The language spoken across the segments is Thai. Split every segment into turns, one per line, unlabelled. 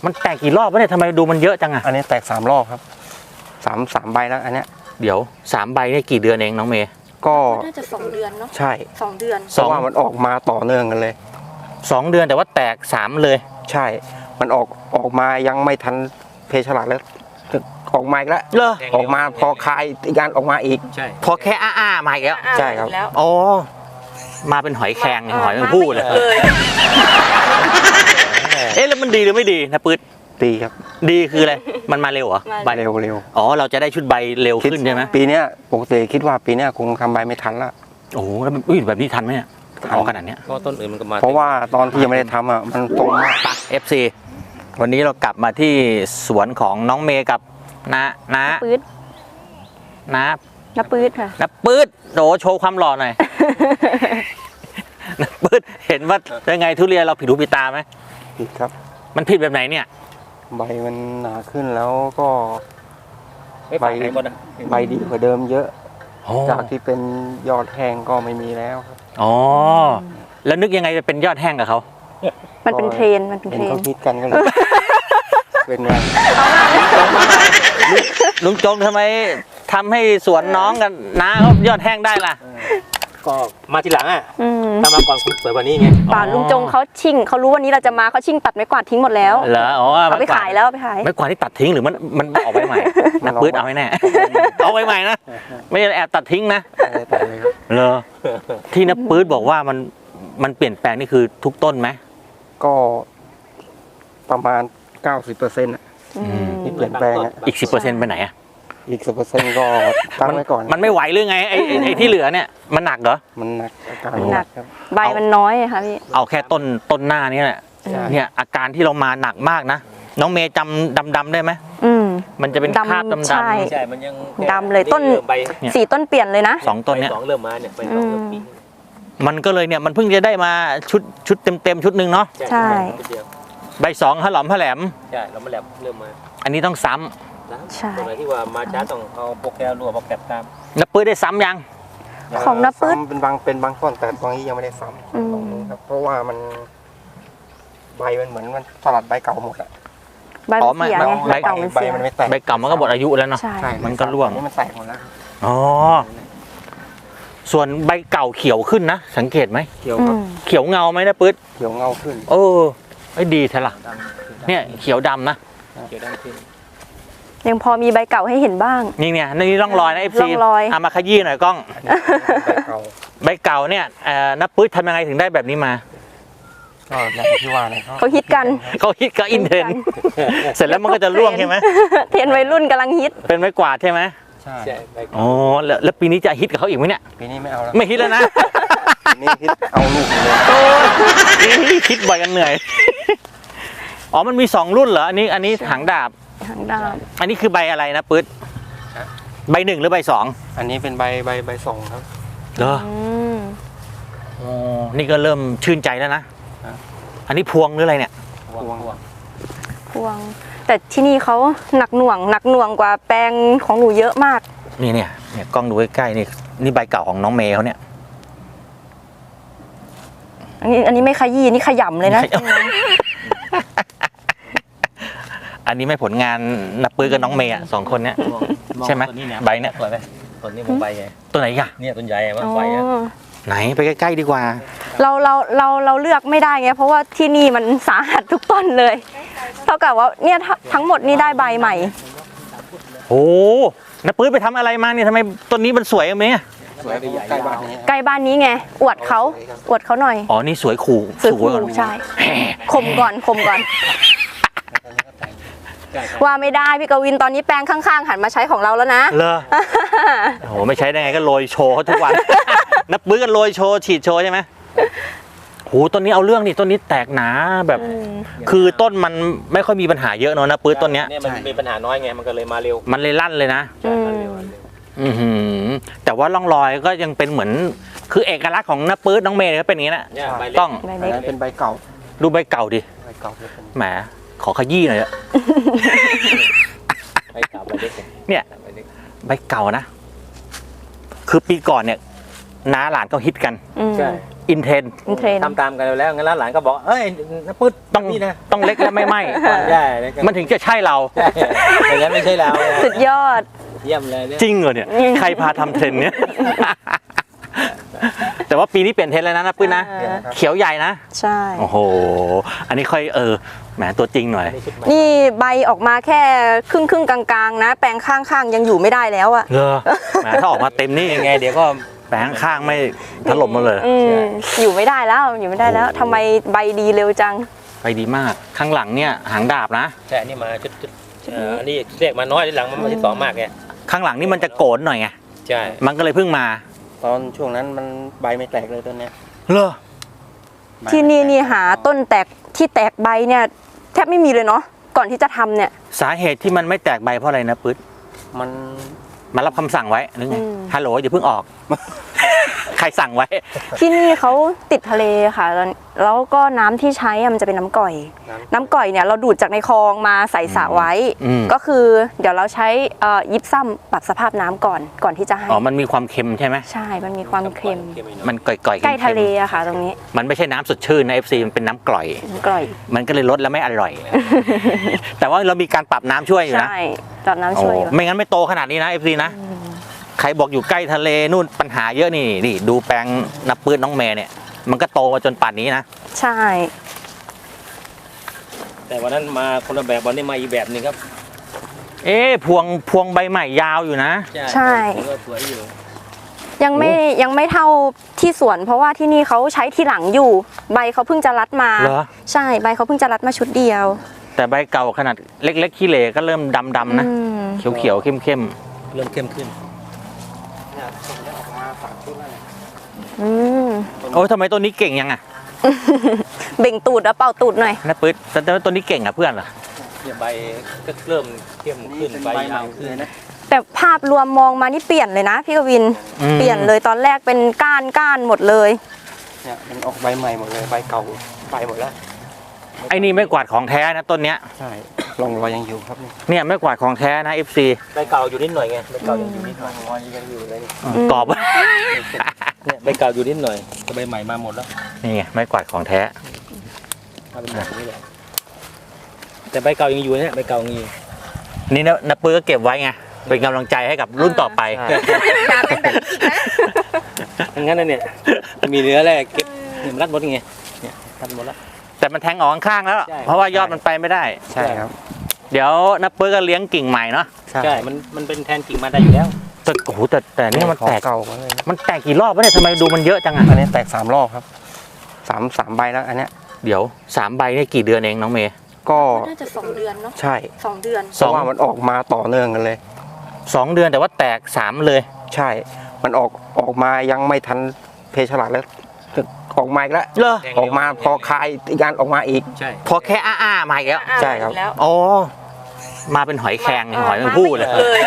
มันแตกกี่รอบวะเนี่ยทำไมดูมันเยอะจังอะ
อันนี้แตก3 รอบครับ3 ใบแล้วอันเนี้ย
เดี๋ยว3 ใบเนี่ยกี่เดือนเองน้องเมย์
ก็
น่าจะ2 เดือนเนาะ
ใช่
2 เดือน
เพราะว่ามันออกมาต่อเนื่องกันเลย
2 เดือนแต่ว่าแตก3เลย
ใช่มันออกมายังไม่ทันเพฉลาดแล้วออกมาอีกแล้ว
เหรอ
ออกมาพอคายอีกการออกมาอีก
ใช่พอแค่อ้ามาอีกแล้ว
ใช่ครับ
อ๋อมาเป็นหอยแครงหอยแมงผู้เลยเอ๊ะแล้วมันดีหรือไม่ดีนะปื๊ด
ดีครับ
ดีคืออะไรมันมาเร็วเหรอ
ใบเร็ว
อ๋อเราจะได้ชุดใบเร็วขึ้นใช่ไหม
ปีนี้ปกติคิดว่าปีนี้คงทำใบไม่ทันละ
โอ้โหแล้วแบบนี้ทันไหมเนี่ยออกขนาดเนี้ย
ก็ต้นอื่นมันก็มา
เพราะว่าตอนที่ยังไม่ได้ทำอ่ะมันตรงมาก
ปะ FC วันนี้เรากลับมาที่สวนของน้องเมย์กับน้า
ปื๊ด
น้า
ปื๊ดค่ะ
น้าปื๊ดโดโชว์ความหล่อหน่อยน้าปื๊ดเห็นว่ายังไงทุเรียนเราผิดหูผิดตาไหม
ผิดครับ
มันผิดแบบไหนเนี่ย
ใบมันหนาขึ้นแล้วก็
ใบ
ดีกว่าเดิมเยอะจากที่เป็นยอดแห้งก็ไม่มีแล้วครับ
อ๋อแล้วนึกยังไงจะเป็นยอดแห้งกับเขา
มันเป็นเทรน
เขาคิดกันก็เลยเป็นไง
ลุงจงทำไมทำให้สวนน้องกันน้าเขายอดแห้งได้ล่ะ
ก็มาทีหลังอ่ะถ้ามาก่อนคุณสวยกว่านี้ไง
ป่าลุงจงเขาชิ่งเขารู้วันนี้เราจะมาเขาชิ่งตัดไม้กวาดทิ้งหมดแล้ว
เหรออ๋อ
เอาไปขายแล้วไปขาย
ไม้กวาดที่ตัดทิ้งหรือมันออกไปใหม่นักปื๊ดเอาให้แน่เอาไปใหม่นะไม่ได้แอบตัดทิ้งนะเหรอที่นักปื๊ดบอกว่ามันเปลี่ยนแปลงนี่คือทุกต้นไหม
ก็ประมาณ 90%ที่เปลี่ยนแปลง
อีก 10% ไปไหนอ่ะ
อีก 10%ก็ตั้งไว้ก่อน
มันไม่ไหวหรือไงไอ้ที่เหลือเนี่ยมันหนักเหรอ
มันหนักอาการ
หนักครับใบมันน้อยค่ะพี่
เอาแค่ต้นหน้านี่แหละเนี่ยอาการที่เรามาหนักมากนะน้องเมย์จำดำได้ไหมมันจะเป็นคราบดำ
ใช่
มันยัง
ดำเลยต้น4 ต้นเปลี่ยนเลยนะ
2 ต้นเนี่ย
2เริ่มมาเนี่ยไป2เริ่มปี
มันก็เลยเนี่ยมันเพิ่งจะได้มาชุดเต็มชุดหนึ่งเนาะ
ใช่
ใบ2หลอมแหลม
ใช่เรามาแหลมเริ่มมา
อันนี้ต้องซ้
ำใช่ตัวไหนที่ว่ามาช้าต้องเอาโปรแกรมรัวโปรแกรมตาม
นับปื้ดได้ซ้ำยัง
ของนับปื้ด
เป็นบางต้นแต่ตรงนี้ยังไม่ได้ซ้ำครับเพราะว่ามันใบมันเหมือนมันสลัดใบเก่าหมดอะ
ใบเสียไงใบเก่ามันเสีย
ใบเก่ามันก็หมดอายุแล้วเนาะมันก็ร่วง
นี่มันแตกหมดแล้ว
อ๋อส่วนใบเก่าเขียวขึ้นนะสังเกตไหม
เขียวครับ
เขียวเงาไหมนะปื๊ด
เขียวเงาขึ้น
ไอ้ดีแท้ล่ะเนี่ยเขียวดำนะ
เขียวดำขึ้น
ยังพอมีใบเก่าให้เห็นบ้าง
นี่ร่องรอยนะ FC เอามาขยี้หน่อยกล้องใบเก่าเนี่ยนับปื๊ดทำยังไงถึงได้แบบนี้มา
ก็อย่างที่ว่าเลย
เขาฮิตกัน
อินเทรนเสร็จแล้วมันก็จะร่วงใช่ไหม
เทรนวัยรุ่นกำลังฮิต
เป็นไม้กวาดใช่ไหม
ใช่
อ๋อแล้วปีนี้จะฮิตกับเขาอีกไหมเนี่ย
ปีนี้ไม่เอาแล้ว
ไม่ฮิตแล้วนะ
ปีนี้ฮิตเอาลูกเลย
ปีนี้คิดบ่อยกันเหนื่อยอ๋อมันมี2 รุ่นเหรออันนี้หางดาบอันนี้คือใบอะไรนะปื๊ดใบ 1หรือใบ 2
อันนี้เป็นใบ2ครับ
เหรออ๋อนี่ก็เริ่มชื่นใจแล้วนะอันนี้พวงหรืออะไรเนี่ย
พวงแต่ที่นี่เขาหนักหน่วงกว่าแปลงของหนูเยอะมาก
เนี่ยกล้องดูใกล้ๆนี่ใบเก่าของน้องเมย์เขาเนี่ย
อันนี้ไม่ขยี้นี่ขยำเลยนะ
อันนี้ไม่ผลงานนับปื้อกับน้องเมย์2 คนเนี้ยใช่ไหมใบเนี้ย
สวยไหมต้นนี้ผมใบไง
ตัวไหนอ่ะ
เนี่ยต้นใหญ่มั้งใบ
ไหนไปใกล้ๆดีกว่า
เราเลือกไม่ได้ไงเพราะว่าที่นี่มันสาหัสทุกต้นเลยเท่ากับว่าเนี่ยทั้งหมดนี่ได้ใบใหม่
โอ้นับปื้อไปทำอะไรมาเนี่ยทำไมต้นนี้มันสวยไหม
สวยใกล้
บ้านนี้ไงอวดเขาหน่อย
อ๋อนี่สวยขู่
ใช่ข่มก่อนว่าไม่ได้พี่กวินตอนนี้แปลงข้างๆหันมาใช้ของเราแล้วนะ
เหรอโอ้ไม่ใช้ได้ไงก็โรยโชว์เขาทุกวันนับปื้อกันโรยโชว์ฉีดโชว์ใช่ไหมโหต้นนี้เอาเรื่องนี่ต้นนี้แตกหนาแบบคือต้นมันไม่ค่อยมีปัญหาเยอะเนอะนะปื้อต้นเนี้ย
มันมีปัญหาน้อยไงมันก็เลยมาเร็ว
มันเลยลั่นเลยนะแต่ว่าร่องรอยก็ยังเป็นเหมือนคือเอกลักษณ์ของนับปื้อน้องเมย์ก็เป็นอย่างนี้แหละต้อง
เป็นใบเก่า
ดูใบเก่าดิแหมขอขยี้หน่อยอะเนี่ยใบเก่านะคือปีก่อนเนี่ยน้าหลานก็ฮิตกันอินเทรน
อินเทรน
ทำตามกันแล้วงั้นแล้วหลานก็บอกเอ้ยน้าปื๊ด
ต้อง
นี่นะ
ต้องเล็กและไม่ไหม
ใช่
มันถึงจะใช่เรา
ใช่อย่างนั้นไม่ใช่เรา
สุดยอด
เยี่ยมเลยเนี่ย
จริงเหรอเนี่ย ใครพาทำเทรนด์เนี้ย แต่ว่าปีนี้เปลี่ยนเทรนด์แล้วนะปื้นนะ เขียวใหญ่นะ
ใช่
โอ้โห อันนี้ค่อยแหมตัวจริงหน่อย
นี่ใบออกมาแค่ครึ่งกลางๆนะ แปลงข้างๆยังอยู่ไม่ได้แล้วอะ
เหรอแหมถ้าออกมาเต็มนี่ยังไง เดี๋ยวก็แปลงข้างไม่ถล่มมาเลย
อยู่ไม่ได้แล้วอยู่ไม่ได้แล้วทำไมใบดีเร็วจัง
ไปดีมาก ข้างหลังเนี่ยหางดาบนะ
ใช่อันนี้มาชุดอันนี้เรียกมาน้อยที่หลังมันมาที่สองมากไง
ข้างหลังนี่มันจะโกนหน่อยไง
ใช่
มันก็เลยเพิ่งมา
ตอนช่วงนั้นมันใบไม่แตกเลยต้นเนี้ย
เหรอ
ที่นี่หาต้นแตกที่แตกใบเนี่ยแทบไม่มีเลยเนาะก่อนที่จะทำเนี่ย
สาเหตุที่มันไม่แตกใบเพราะอะไรนะปึ๊ด
มัน
มารับคำสั่งไว้หรือไง ฮัลโหลอย่าเพิ่งออก ใครสั่งไว้
ที่นี่เขาติดทะเลค่ะแล้วก็น้ำที่ใช้อะมันจะเป็นน้ำก่อย น้ำก่อยเนี่ยเราดูดจากในคลองมาใส่สระไว้
อืม
ก็คือเดี๋ยวเราใช้ยิปซัมปรับสภาพน้ำก่อนที่จะให้
อ๋อ มันมีความเค็มใช่ไหม
ใช่ มันมีความเค็ม
มันก่อยๆ
ใกล้ทะเล
ค็ม
อะค่ะ ตรงนี้
ๆมันไม่ใช่น้ำสดชื่นนะ FC มันเป็นน้ำกร่อย
น้ำกร่อย
มันก็เลยลดแล้วไม่อร่อย แต่ว่าเรามีการปรับน้ำช่วยอยู่นะ
ใช่จับน้ำช่วยอยู่
โอ้ไม่งั้นไม่โตขนาดนี้นะ FC นะ ใครบอกอยู่ใกล้ทะเลนู่นปัญหาเยอะนี่ดูแปลงนับปื้นน้องเมย์เนี่ย มันก็โตมาจนป่านนี้นะ
ใช่
แต่วันนั้นมาคนละแบบวันนี้มาอีกแบบหนึงครับ
เอ๊ะพวงใบใหม่ยาวอยู่นะ
ใช่
ก็สวยอยู่
ยังไม่เท่าที่สวน เพราะว่าที่นี่เขาใช้ทีหลังอยู่ ใบเขาเพิ่งจะรัดมา
เหรอ
ใช่ใบเขาเพิ่งจะรัดมาชุดเดียว
แต่ใบเก่าขนาดเล็กๆขี้เหร่ก็เริ่มดำๆนะ
อืม
เขียวๆเข้ม
เริ่มเข้มขึ้น
เนี่ยผมได้ออกมา3ชุดแล้วเนี่ย
อืม
ๆโอ้ยทำไมต้นนี้เก่งยังอ่ะ
เบ่งตูดแล้วเป่าตูดหน่อย
นับปื้นแต่ว่าต้นนี้เก่งอ่ะเพื่อนเหรอ
เนี่ยใบก็เริ่มเข้มขึ้นใบยาวขึ้น
นะ
แต่ภาพรวมมองมานี่เปลี่ยนเลยนะพี่กวิน
อืม
เปลี่ยนเลยตอนแรกเป็นก้านหมดเลย
เนี่ยมันออกใบใหม่หมดเลยใบเก่าไปหมดแล้ว
ไอ้นี่ไม่กวาดของแท้นะต้นเนี้ย
ใช่ร่องรอยยังอยู่ครับนี่
เนี่ยไม่กวาดของแท้นะ FC
ใบเก่าอยู่นิดหน่อยไงใบเก่ายังอยู่นิดหน่
ร่
อ
อย งรอยยังอยู่เลยนี่
กรอบ
เนี่ยใบเก่าอยู่นิดหน่อยแต่ใบใหม่มาหมดแล้ว
นี่ไงไม่กวาดของแท้
มาเป็นแบบนี้เลยแต่ใบเก่ายังอยู่เนี่ยใบเก่ายังอยู่
นี่นะนับปื้อก็เก็บไว้ไงเป็นกำลังใจให้กับรุ่นต่อไป
งั้นนะเนี่ยมีเนื้อแรกเก็บเนี่ยมันรัดหมดไงเนี่ยรัดหมดแล้ว
แต่มันแทงออกข้างๆแล้ว
ใช่
เพราะว่ายอดมันไปไม่ได้
ใช่ครับ
เดี๋ยวนับปื้อก็เลี้ยงกิ่งใหม่เนาะ
ใช่มันเป็นแทนกิ่งมาได้อยู่แล้ว
แต่โอ้โหแต่นี่มัน
ของ
แตก
เก่ามาเลย
มันแตกกี่รอบวะเนี่ยทำไมดูมันเยอะจังอ่ะ
อันนี้แตก3 รอบครับสามใบแล้วอันเนี้ย
เดี๋ยว3 ใบนี่กี่เดือนเองน้องเมย์
ก็
น่าจะ2 เดือนเนาะ
ใช่
2 เดือน
เพราะว่ามันออกมาต่อเนื่องกันเลย
2 เดือนแต่ว่าแตก3เลย
ใช่ มันออกมายังไม่ทันเพฉลาดแล้วออกมาอีกแล้ว
เหรอ
ออกมาพอคายอีกการออกมาอีก
ใช่
พอแค่อ้าๆมาอีกแล้ว
ใช่ครับ
แล้ว
อ๋อมาเป็นหอยแครงหอยแมงผู้เลย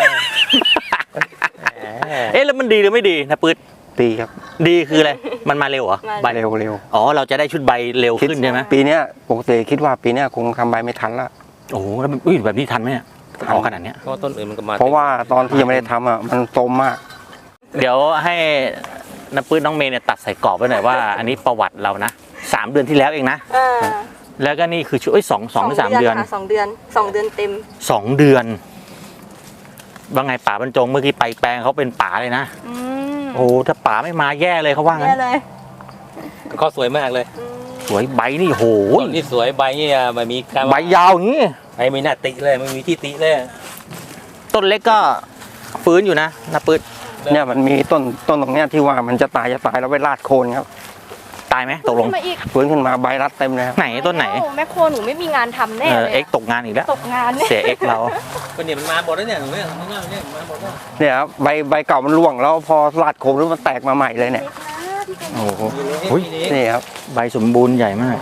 เอ๊ะแล้วมันดีหรือไม่ดีนะปื๊ด
ปีครับ
ดีคืออะไรมันมาเร็วเหรอใบ
เร็ว
อ๋อเราจะได้ชุดใบเร็วขึ้นใช่ไหม
ปีเนี้ยปกติคิดว่าปีเนี้ยคงทำใบไม่ทันละ
โอ้โหแล้วอุ้ยแบบนี้ทันไหมเนี่ยออกขนาดเนี้ย
เพราะว่าต้นอื่นมันก็มา
เพราะว่าตอนที่ยังไม่ได้ทำอ่ะมันโตมมาก
เดี๋ยวให้น้ำปื้นน้องเมย์เนี่ยตัดใส่กรอบไว้หน่อยว่า อันนี้ประวัติเรานะ3 เดือนที่แล้วเองนะ แล้วก็นี่คือช่วยสองหรือ3 เดือน
ค่ะ2 เดือน2 เดือนเต็ม
2 เดือนว่าไงป๋าบรรจงเมื่อกี้ไปแปลงเขาเป็นป๋าเลยนะโอ้ถ้าป๋าไม่มาแย่เลยเขาว่างั้
แย่
น
เลย
เขาสวยมากเลย
สวยใบนี่โห
ต้นที่สวยใบเนี่ยไม่มีการ
ใบยาวอย่างนี้
ใบไม่น่าติเลยไม่มีที่ติเลย
ต้นเล็กก็ฟื้นอยู่นะน้ำปื้น
เนี่ยมันมีต้นตรงเนี้ยที่ว่ามันจะตายแล้วไปลาดโคนครับ
ตายไหมตกลง
มาอีก
ฟื้นขึ้นมาใบรัดเต็มเลยครับ
ไหนต้นไหน
โอ้แม่โคหนูไม่มีงานทำแน่
เออ
เลย
เอ็กตกงานอีกแล้ว
ตกงานเนี่ย
เสียเอ็กเรา
ก็เนี่ยมันมาหมดแล้วเนี่ยหนูเนี่ยมันเนี่ยมาหมดแล้ว
เนี่ยครับใบเก่ามันร่วงแล้วพอลาดโคนแล้วมันแตกมาใหม่เลยเนี่ย
โอ้โห
มี
อุ๊ย
นี่
นี่ครับ
ใบสมบูรณ์ใหญ่มาก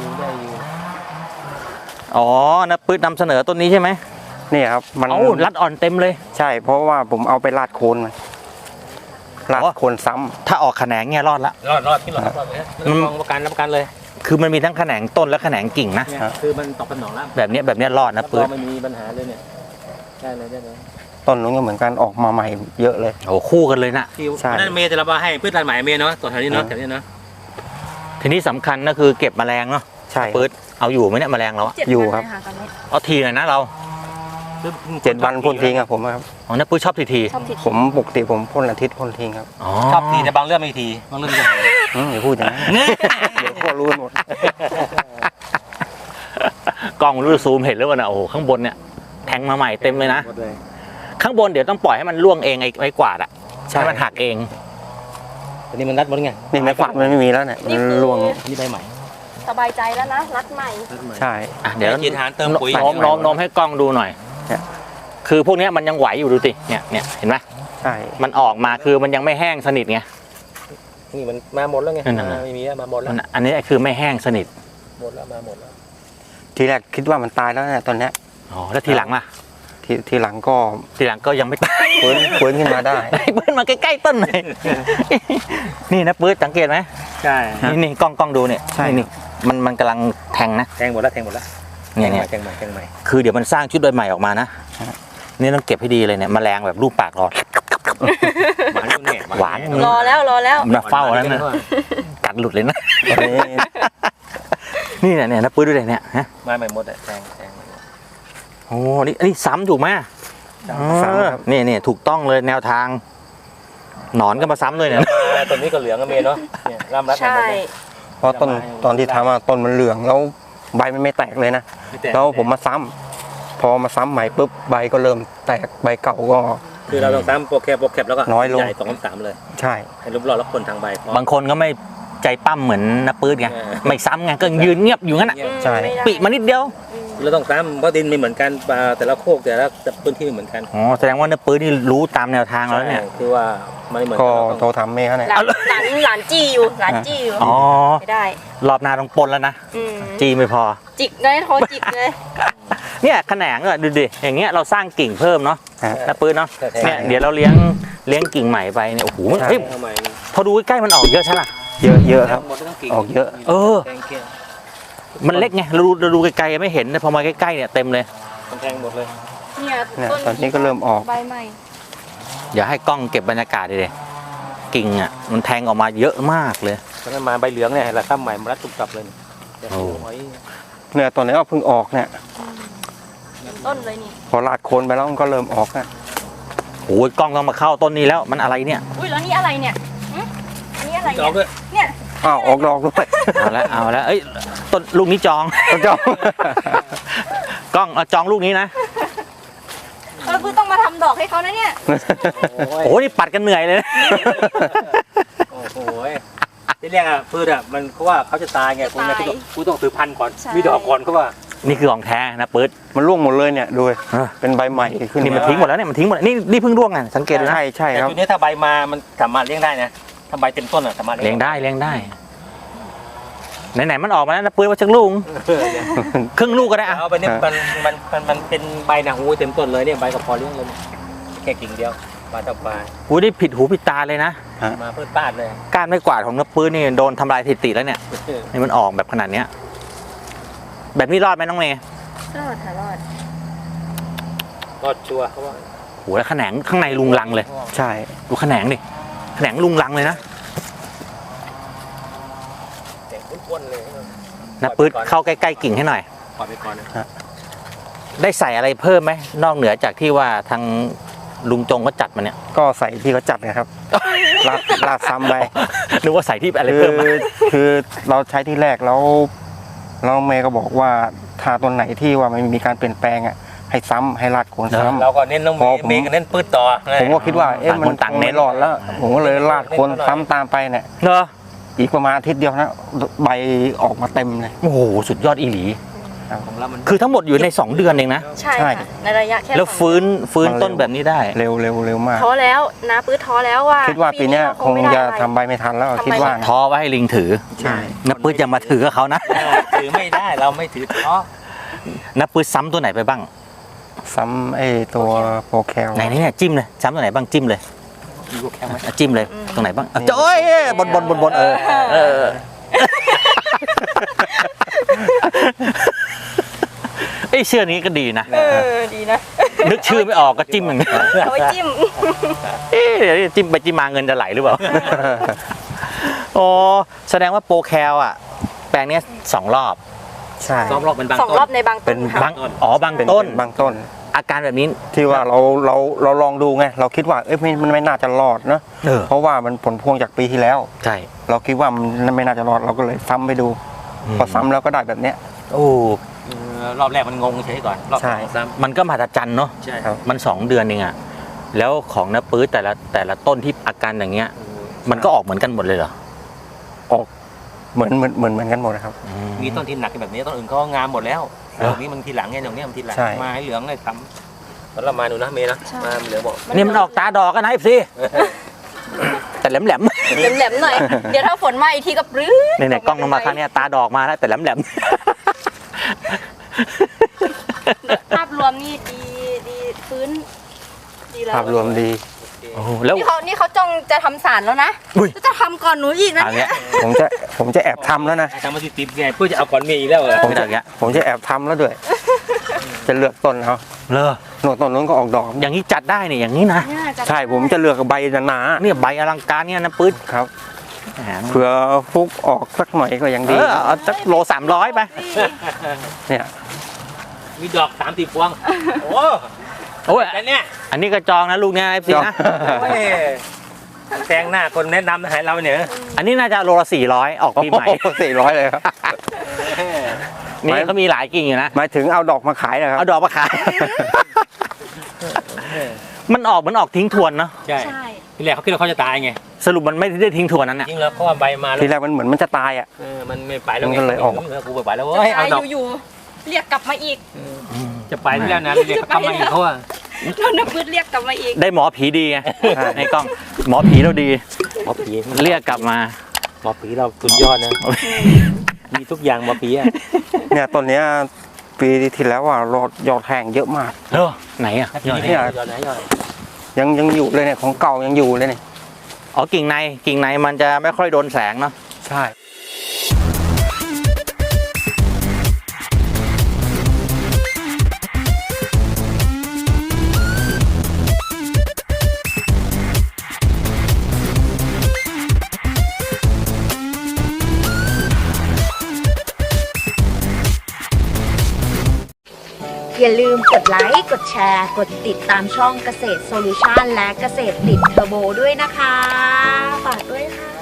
อ๋อน้ำปื้นนำเสนอต้นนี้ใช่ไหม
นี่ครับมัน
เอ้ารัดอ่อนเต็มเลย
ใช่ เพราะว่าผมเอาไปลาดโคนมาลาดโคนซ้ำ
ถ้าออกแขนงเนี่ยรอดละ
รอดที่รอดเลยรับประกันเลย
คือมันมีทั้งแขนงต้นและแขนงกิ่งนะ
เนี่ยคือมันตอบสนองแล้ว
แบบเนี้ยรอดนะ
รับร
ปื้
อง
น
ไม่มีปัญหาเลยเนี่ยได้เลย
ต้นนู้นก็เหมือนกันออกมาใหม่เยอะเลย
โอ้คู่กันเลยนะ
ที่
ใช่
นั่นเมย์จะรับมาให้พืชลานหมายเมย์เนาะตัวแถวนี้เนาะแถวนี้เนาะ
ทีนี้สำคัญก็คือเก็บแมลงเนาะ
ใช่
ปื๊ดเอาอยู่ไหมเนี่ยแมลงเราอะ
7
อยู่
วัน
ครับ
เลยะตอนนี้
เอาทีหน่อยนะเรา
7 วันพ่นทิ้งครับผมครับ
อ๋อนะปื๊ดชอบที
ชอบติด
ผมปกติผมพ่นอาทิตย์พ่นทิ้งครับ
อ๋อ
ชอบทีแต่บางเรื่องไม่ทีบางเรื่องไม่ที
อย่าพูดอย่างนั้นเดี๋ยวพวกรู้หมด
กล้องรู้ซูมเห็นแล้วว่านะโอ้โหข้างบนเนี่ยแทงมาใหม่เต็มเลยนะ
หมดเลย
ข้างบนเดี๋ยวต้องปล่อยให้มันร่วงเองไอ้กวาดอะให้มันหักเอง
ตอนนี้มันรัดหมดไง
นี่ไม้ฝัดมันไม่มีแล้วเนี่ยมันร่วง
นี่ใบใหม่
สบายใจแล้วนะ รัดใหม่
ใช่
อ่ะเดี๋ยว
กินอาหารเติมปุ๋ย
โน้มให้กล้องดูหน่อย
เนี่ย
คือพวกเนี้ยมันยังไหวอยู่ดูสิเนี่ยเห็นไหม
ใช่
มันออกมาคือมันยังไม่แห้งสนิทไง
นี่มันมาหมดแล้วไง
นั่นน่ะ
ไม่มีแล้วมาหมดแล้ว
อันนี้คือไม่แห้งสนิท
หมดแล้วมาหมดแล้ว
ทีแรกคิดว่ามันตายแล้วเนี่ยตอนเนี้ย
อ๋อแล้วทีหลังล่ะ
ทีหลังก็
ทีหลังก็ยังไม่ตาย
ฟื้นขึ้นมาได้
ไอ้ปื้นมาใกล้ๆต้นหน่อย นี่นะปื้นสังเกตไหม
ใช่
นี่กล้องดูเนี่ย
ใช่
นี่มันกำลังแทงนะ
แทงหมดแล้วแทงหมดแล้ว
เนี่ย
แทงใหม่
คือเดี๋ยวมันสร้างชุดใบใหม่ออกมานะนี่ต้องเก็บให้ดีเลยเนี่ยแมลงแบบรูปปากรอด
หวานอยู่เนี่ย
หวาน
รอแล้ว
มาเฝ้าแล้วนะกัดหลุดเลยนะ นี่เนี่ยนะปื้นด้วยเลยเนี่ยฮะ
มาใหม่หมดอะแทง
โอ้นี่ซ้ำถูกไหม
ซ้ำครับ
นี่ถูกต้องเลยแนวทาง หนอนก็มาซ้ำเลยเนี่ย
ต้นนี้ก็เหลืองก็มีเนาะเนี่ยร่ำรัด
ใช่
เพราะตอนที่ทำอะต้นมันเหลืองแล้วใบมันไม่แตกเลยนะแล้วผมมาซ้ำพอมาซ้ำใหม่ปุ๊บใบก็เริ่มแตกใบเก่าก็
คือเราต้องซ้ำโปรแคปแล้วก็
น้อยลง
ใหญ่2-3เลย
ใช่
ให้รูปหล่อแล้วคนทางใบบ
างคนก็ไม่ใจปั้มเหมือนน้าปื้ดไง
เออ
ไม่ซ้ำไงก็ยืนเงียบอยู่งั้นอ่ะ
ใช่
ไม่ได้
ปิมานิดเดียว
เราต้องซ้ำเพราะดินไม่เหมือนกันปลาแต่ละโคกแต่ละพื้นที่ไม่เหมือนกัน
อ๋อแสดงว่าน้าปื้ดนี่รู้ตามแนวทางแล้วเนี่ย
ใช่คือว่ามันไม่เหมือน
ก็
กัน
โทรถามเมย์เขาเนี่ย
หลานจี้อยู่หลานจี้อยู่
อ๋อ
ไม่ได้
รอบหน้าต้องปนแล้วนะ
อืม
จีไม่พอ
จิกเลยโทรจิกเลย
เนี่ยแขนงอ่ะดูดิอย่างเงี้ยเราสร้างกิ่งเพิ่มเนาะ
ฮะ
น้าปื้ดเนาะ
ใช่
เนี่ยเดี๋ยวเราเลี้ยงกิ่งใหม่ไปเนี่ยโอ้โห
ใช่
เฮ้ย
ทำไม
พอดูใกล้ๆมันออกเยอะใช่ไหม
เยอะครับ
หมดทั้งกิ่ง
ออกเยอะ
เออ
แทงเกลี้ยง
มันเล็กไงเราดูไกลๆไม่เห็นแต่พอมาใกล้ๆเนี่ยเต็มเลย
มันแทงหมดเลย
เนี่ย
เนี่ยตอนนี้ก็เริ่มออก
ใบใหม่
อย่าให้กล้องเก็บบรรยากาศดิกิ่งอ่ะมันแทงออกมาเยอะมากเลย
ตอนนั้นมาใบเหลืองเนี่ยเราซ้ำใหม่มารัดตุบตับเลยเนี่ย
โอ้
โอ้ย
เนี่ยตอนนี้ก็เพิ่งออกเนี่ย
ต้นเลยนี่
พอลาดโคนไปแล้วมันก็เริ่มออกนะ
โอ้ยกล้องต้องมาเข้าต้นนี้แล้วมันอะไรเนี่ย
อุ้ยแล้วนี่อะไรเนี่ยหึอันนี้อะไร
จอ
เนี่
ก
ย
ด้วย
เนี่ย
อ้าวออกดอกด้วย
เอาแล้วเอ้ยต้นลูกนี้จอง
ต้นจอก
กล้องเอาจองลูกนี้นะ
คือต้องมาทำดอกให้เขานะเนี่ย
โอ้ยนี่ปัดกันเหนื่อยเลยนะ
โอ้โหที่เรียกอ่ะพืชอ่ะมันเพราะว่าเขาจะตายไงคุณเนี่ยกูต้องถือพันธุ์ก่อน
ใช่
มีดอกก่อนเขาว่า
นี่คือของแท้นะปื๊ด
มันร่วงหมดเลยเนี่ยดู
อ่ะ
เป็นใบใหม่ขึ้น
นี่มันทิ้งหมดแล้วเนี่ยมันทิ้งหมดนี่เพิ่งร่วงไงสังเกตดูนะ
ใช่
แต่
ครับ
จุดนี้ถ้าใบมามันสามารถเลี้ยงได้นะถ้าใบเต็มต้นอ่ะสามารถ
เลี้ยงได้ไหนๆมันออกมาแล้วนะปื๊ดว่าชักลูก
เออเนี่ย
ครึ่งลูกก็ได้อะ
เอาไปเนี่ยมันเป็นใบนะหูเต็มต้นเลยเนี่ยใบก็พอเลี้ยงเลยแค่กิ่งเดียวปลาต่อปลา
กูได้ผิดหูผิดตาเลยนะ
มาเพื่อป้าดเลย
ก้านไม่กวาดของน้าปื๊ดนี่โดนทำลายสถิติแล้วเนี่ยนี่มันออกแบบขนาดเนี้ยแบบนี้รอดไหมน้องเมย์
รอดค่ะรอด
ก็ชัวร์เขาว่า
โหแล้วแขนงข้างในลุงลังเลย
ใช่
ดูแขนงดิแขนงลุงลังเลยนะ
เสียงอ้วนๆเลย
นะปื๊ดเข้าใกล้ๆกิ่งให้หน่อย
ปล่อยไปก่อนนะ
ได้ใส่อะไรเพิ่มไหมนอกเหนือจากที่ว่าทางลุงจงก็จัดมาเนี่ย
ก็ใส่ที่เขาจัดนะครับลาดซ้ำไป
นึกว่าใส่ที่อะไร
คื
เพิ่มมา
คือเราใช้ที่แรกแล้วเมย์ก็บอกว่าถ้าต้นไหนที่ว่ามันมีการเปลี่ยนแปลงอ่ะให้ซ้ำให้ลาดโคนซ้ำ
เราก็เน้นน้อง
พอผม
เมย์ก็เน้นปืดต่อ
ผมก็คิดว่าเอ๊ะมัน
ต่างคนต่างเน้น
ไม่รอดแล้ว ผมก็เลยลาดโคนซ้ำตามไปเนี่ย
เนอะ
อีกประมาณอาทิตย์เดียวนะใบออกมาเต็มเลย
โอ้โหสุดยอดอีหลี
ของเรามัน
คือทั้งหมดอยู่ใน 2 เดือนเองนะ
ใช่
ใช่
ค่ะในระยะแค่
แล้ว
สอง
ฟื้นต้นแบบนี้ได้
เร็วมาก
ท้อแล้วนะปื้ดท้อแล้วว่า
คิดว่าปีเนี้ย
เรา
คง
ไม่ได้
จะ
อะไร
ทำใบไม่ทันแล้ว
ทำใบ
คิดว่านะ
ท้อไว้ให้ลิงถือ
ใช่
นับปื้ดจะมาถือกับเขานะ
ถือไม่ได้เราไม่ถือเพราะ
นับปื้ดซ้ำตัวไหนไปบ้าง
ซ้ำไอ้ตัวโปรแคล
ไหนเนี่ยจิ้มเลยซ้ำตัวไหนบ้างจิ้มเลย
มีกูแข็งไหม
อ่ะจิ้มเลยตรงไหนบ้างอ่ะโอ้ยบนเออไอยเชื่อนี้ก็ดีนะ
ดีนะ
นึกชื่อไม่ออกก็จิ้มอย่างนี้
เอาไว้จิ้ม
เอ๊ะเดี๋ยวจิ้มไปจิ้มมาเงินจะไหลหรือเปล่าโอ้แสดงว่าโปรแคลอ่ะ แปลงเนี้ย2 รอบ
ใช่
ซ้อมรอบเป็นบาง
2
ต้น
รอบในบางต้นค่ะ
บางบางต้น
บางต้น
อาการแบบนี้
ที่ว่าเราลองดูไงเราคิดว่ามันไม่น่าจะรอดนะ เพราะว่ามันผลพวงจากปีที่แล้ว
ใช่
เราคิดว่ามันไม่น่าจะรอดเราก็เลยซ้ำไปดู พอซ้ำแล้วก็ได้แบบเนี้ย
โอ้
รอบแรกมันงงเฉยก่อนรอบ
ใช่
สองซ้
มันก็มหัศจรรย์เนาะ
ำใช่
ครับ
มัน2 เดือนเองอะแล้วของน้าปื้ดแต่ละต้นที่อาการอย่างเงี้ย มันก็ออกเหมือนกันหมดเลยเหรอ
ออกเหมือนกันหมดนะครับ
มีต้นที่หนักแบบนี้ต้นอื่นเขางามหมดแล้ว
เหรอ
ตรงนี้มันทีหลังไงตรงนี้มันทีหลัง
ใช่
มาให้เหลืองเลยทำตอนเรามาหนูนะเมย์นะมาเหลืองบอก
นี่มันออกตาดอกกันนะไอ้สิแต่แหลม
แหลมๆหน่อย เดี๋ยวถ้าฝนมาอีกทีก็ปรื้ด
ๆเนี่ยกล้องลงมาข้างเนี้ยตาดอกมาแล้วแต่แหลม
ภาพรวมนี่ดีฟื้นดีแล้ว
ภาพรวมดี
ๆโอ้โหแล้ว
นี่เขาจ้องจะทำสารแล้วนะ
อุ้ย
จะทำก่อนหนูอีกนะ
อย่างเงี้ย
ผมจะแอบทำแล้วนะ
ทำมาติดๆไงเพื่อจะเอาก่อนเมย์อีกแล้วเหรอ
ไม่ได้อย่างเงี้ย
ผมจะแอบทำแล้วด้วย จะเลือกต้นเขา
เลอ
โน่นต้นนู้นก็ออกดอก
อย่างนี้จัดได้เนี่ยอย่างนี้นะ
ใช่ผมจะเลือกใบหนา
เนี่ยใบอลังการเนี่ยนะปื๊ด
ๆครับ
แหม
เผื่อฟุกออกสักหน่อยก็ยัง
เอ
ดี
อเอาสักโล300ไป
เนี่ย
มีดอก30 พวงโอ้
โอ้ย
แต่เนี่ย
อันนี้ก็จองนะลูกเนี่ยไอ้สินะ
โอ้ยแซงหน้าคนแนะนำให้เราเนี่ย
อันนี้น่าจะโลละ400ออกปีใหม่
400เลยครับ
นี่เขามีหลายกิ่งอยู่นะ
หมายถึงเอาดอกมาขายนะครับ
เอาดอกมาขาย มันออกเหมือนออกทิ้งทวนเนาะ
ใช่ทีแรกเขาคิดว่าเขาจะตายไง
สรุปมันไม่ได้ทิ้งทวนนั้นน่ะ
จริงแล้วเพราะว่าใบมาแล้ว
ทีแรกมันเหมือนมันจะตายอ่ะ
มันไม่ไปแล้ว
มันก็เลยออก
กูไปแล้วเว้ยเอาดอก
อยู่ๆเรียกกลับมาอีก
จะไปแล้วนะเรียกเขาทำมาอีกเขาอะ
โดนน้ำพืชเรียกกลับมาอีก
ได้หมอผีดีไงในกล้องหมอผีเราดี
หมอผี
เรียกกลับมา
หมอผีเราสุดยอดนะ มีทุกอย่างหมอผีอะ
เนี่ยต้นเนี้ยปีที่แล้วอ่ะยอดแห้งเยอะมาก
เออไหนอ่ะยอด
เนี่
เนี่ย
ย
ยอดไหนยอด
ยังอยู่เลยเนี่ยของเก่ายังอยู่เลยเนี่ย
อ๋อกิ่งในมันจะไม่ค่อยโดนแสงเนาะ
ใช่
อย่าลืมกดไลค์ กดแชร์ กดติดตามช่องเกษตรโซลูชันและเกษตรติดเทอร์โบด้วยนะคะ ฝากด้วยค่ะ